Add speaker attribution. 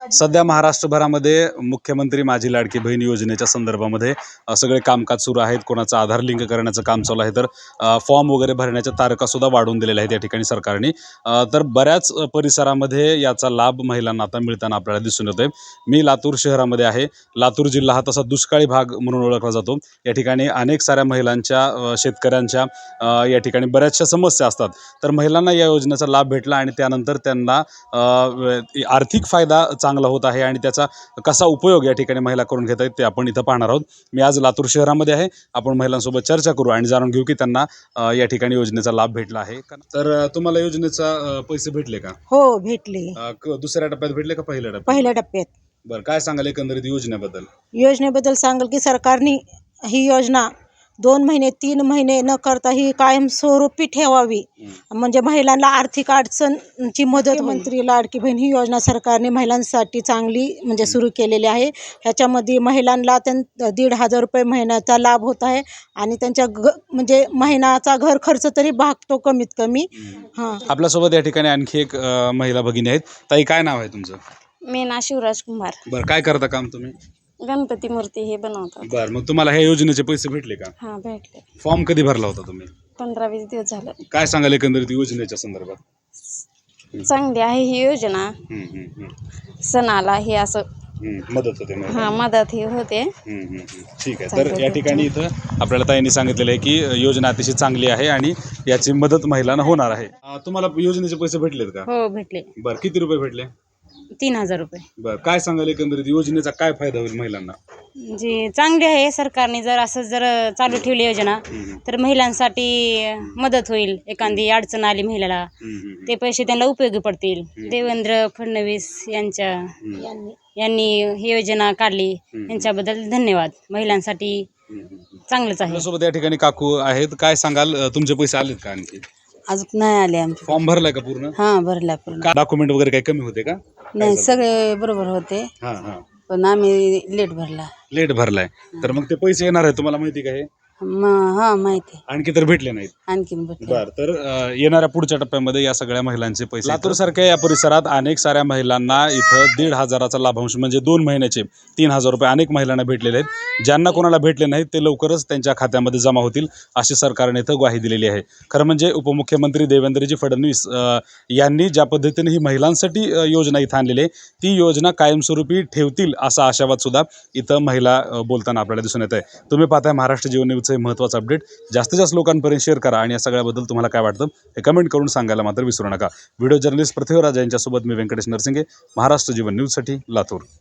Speaker 1: सध्या महाराष्ट्रभरामध्ये मुख्यमंत्री माझी लाडकी बहीण योजनेच्या संदर्भामध्ये सगळे कामकाज सुरू आहेत. कोणाचं आधार लिंक करण्याचं काम चालू आहे, तर फॉर्म वगैरे भरण्याच्या तारखासुद्धा वाढवून दिलेल्या आहेत या ठिकाणी सरकारने. तर बऱ्याच परिसरामध्ये याचा लाभ महिलांना आता मिळताना आपल्याला दिसून येतोय. मी लातूर शहरामध्ये आहे. लातूर जिल्हा हा तसा दुष्काळी भाग म्हणून ओळखला जातो. या ठिकाणी अनेक साऱ्या महिलांच्या शेतकऱ्यांच्या या ठिकाणी बऱ्याचशा समस्या असतात. तर महिलांना या योजनेचा लाभ भेटला आणि त्यानंतर त्यांना आर्थिक फायदा चांगला होत आहे आणि त्याचा कसा उपयोग या ठिकाणी महिला करून घेत आहेत ते आपण इथं पाहणार आहोत. मी आज लातूर शहरामध्ये आहे. आपण महिलांसोबत चर्चा करू आणि जाणून घेऊ की त्यांना या ठिकाणी योजनेचा लाभ भेटला आहे का. तर तुम्हाला योजनेचा पैसे भेटले का?
Speaker 2: हो भेटले.
Speaker 1: दुसऱ्या टप्प्यात भेटले का पहिल्या टप्प्यात?
Speaker 2: पहिल्या टप्प्यात.
Speaker 1: बरं, काय सांगाल एकंदरीत योजनेबद्दल?
Speaker 2: योजनेबद्दल सांगाल की सरकारने ही योजना 2 महिने 3 महिने न करता ही कायमस्वरूपी ठेवावी, म्हणजे महिलांना आर्थिक अडचणची मदत. मंत्री लाडकी बहीण ही योजना सरकारने महिलांसाठी चांगली म्हणजे सुरू केलेली आहे. ह्याच्यामध्ये महिलांना 1,500 रुपये महिन्याचा लाभ होत आहे आणि त्यांच्या म्हणजे महिन्याचा घर खर्च तरी भागतो कमीत कमी. हां,
Speaker 1: आपल्यासोबत या ठिकाणी आणखी एक महिला भगिनी आहेत. ताई, काय नाव आहे तुमचं?
Speaker 3: मीना शिवराज कुमार.
Speaker 1: बरं, काय करता काम तुम्ही?
Speaker 3: गणपती मूर्ती हे बनवतात.
Speaker 1: बरं, मग तुम्हाला ह्या योजनेचे पैसे भेटले का?
Speaker 3: हा भेटले.
Speaker 1: फॉर्म कधी भरला होता तुम्ही?
Speaker 3: 15-20 दिवस झालं.
Speaker 1: काय सांगाल एकंदरीत योजनेच्या संदर्भात?
Speaker 3: चांगली आहे ही योजना. सणाला हे असं
Speaker 1: मदत होते.
Speaker 3: मदत ही होते.
Speaker 1: ठीक आहे. तर या ठिकाणी इथं आपल्याला ताईंनी सांगितलेलं आहे की योजना अतिशय चांगली आहे आणि याची मदत महिलांना होणार आहे. तुम्हाला योजनेचे पैसे भेटलेत का?
Speaker 3: हो भेटले.
Speaker 1: बरं, किती रुपये भेटले?
Speaker 3: 3,000 रुपये.
Speaker 1: बरं, काय सांगाल एकंदरीत योजनेचा काय फायदा होईल महिलांना?
Speaker 3: जी चांगली आहे. सरकारने जर असं जर चालू ठेवली योजना तर महिलांसाठी मदत होईल. एखादी अडचण आली महिलाला ते पैसे त्यांना उपयोगी पडतील. देवेंद्र फडणवीस यांनी ही योजना काढली, यांच्याबद्दल धन्यवाद. महिलांसाठी चांगलंच आहे.
Speaker 1: आपल्यासोबत या ठिकाणी काकू आहेत. काय सांगाल, तुमचे पैसे आलेत का आणखी?
Speaker 2: अजून नाही आले आमचे.
Speaker 1: फॉर्म भरलाय का पूर्ण?
Speaker 2: हां भरला पूर्ण.
Speaker 1: डॉक्युमेंट वगैरे काही कमी होते का?
Speaker 2: नाही सगळे बरोबर होते,
Speaker 1: हां हां.
Speaker 2: पण आम्ही लेट भरला.
Speaker 1: लेट भरलाय. तर मग ते पैसे येणार आहे, तुम्हाला माहिती का हे?
Speaker 2: हां माहिती.
Speaker 1: आणखी तर भेटले नाहीत.
Speaker 2: आणखीन भेटले.
Speaker 1: बरं, तर येणाऱ्या पुढच्या टप्प्यामध्ये या सगळ्या महिलांचे पैसे. लातूर सारख्या या परिसरात अनेक साऱ्या महिलांना इथं 1,500चा लाभांश म्हणजे 2 महिन्याचे 3,000 रुपये अनेक महिलांना भेटलेले आहेत. ज्यांना कोणाला भेटले नाहीत ते लवकरच त्यांच्या खात्यामध्ये जमा होतील अशी सरकारने इथं ग्वाही दिलेली आहे. खरं म्हणजे उपमुख्यमंत्री देवेंद्रजी फडणवीस यांनी ज्या पद्धतीने ही महिलांसाठी योजना इथं आणलेली आहे ती योजना कायमस्वरूपी ठेवतील असा आशावाद सुद्धा इथं महिला बोलताना आपल्याला दिसून येत आहे. तुम्ही पाहताय महाराष्ट्र जीवन न्यूजचं महत्त्वाचं अपडेट. जास्तीत जास्त लोकांपर्यंत शेअर करा आणि या सगळ्याबद्दल तुम्हाला काय वाटतं हे कमेंट करून सांगायला मात्र विसरू नका. व्हिडिओ जर्नलिस्ट पृथ्वीराज यांच्यासोबत मी व्यंकटेश नरसिंगे, महाराष्ट्र जीवन न्यूजसाठी लातूर.